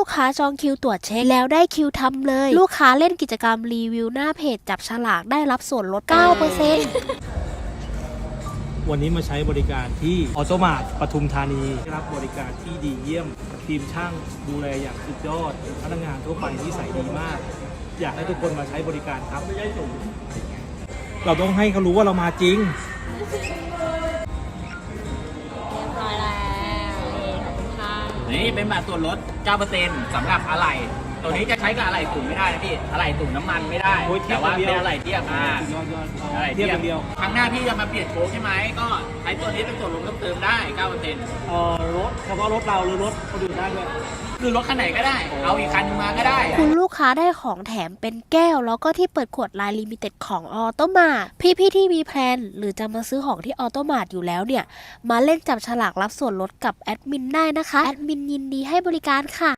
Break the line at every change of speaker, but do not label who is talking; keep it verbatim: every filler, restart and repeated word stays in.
ค้าจองคิวตรวจเช็คแล้วได้คิวทำเลยลูกค้าเล่นกิจกรรมรีวิวหน้าเพจจับฉลากได้รับส่วนลด เก้าเปอร์เซ็นต์
วันนี้มาใช้บริการที่ออโตมาร์ทปทุมธานีได้รับบริการที่ดีเยี่ยมทีมช่างดูแลอย่างสุดยอดพนักงานทั่วไปที่ใส่ดีมาก อยากให้ทุกคนมาใช้บริการครับเราต้องให้เขารู้ว่าเรามาจริง
นี่เป็นบัตรส่วนลด เก้าเปอร์เซ็นต์ สำหรับอะไหล่ตัวนี้จะใช้กับอะไหล่ตุ่มไม่ได้นะพี่ อะไหล่ตุ่มน้ำมันไม่ได้
โอ้ยเทีย
แต่
บ
ว่า
อย่างเดี
เป็
ยว
นอะไหล่เทียบอ่า
ยอดยอด
อะไหล่
เทียบอย่างเดียว
ครั้งหน้าพี่จะมาเปลี่ยนโค้งใช่ไหมก็ใช้ตัวนี้เป็นส่วนลดเพิ่มเติมได้ เก้าเปอร์เซ็นต์
เอ่อรถเฉพาะรถเราหรือรถคนอื่นได้ด้วย
คือรถคันไหนก็ได้ เอาอีกคันนึงมาก็ได้
คุณลูกค้าได้ของแถมเป็นแก้วแล้วก็ที่เปิดขวดลายลิมิเต็ดของออโตมาพี่พี่ๆที่มีแพลนหรือจะมาซื้อของที่ออโตมาอยู่แล้วเนี่ยมาเล่นจับฉลากรับส่วนลดกับแอดมินได้นะคะแอดมินยินดีให้บริการค่ะ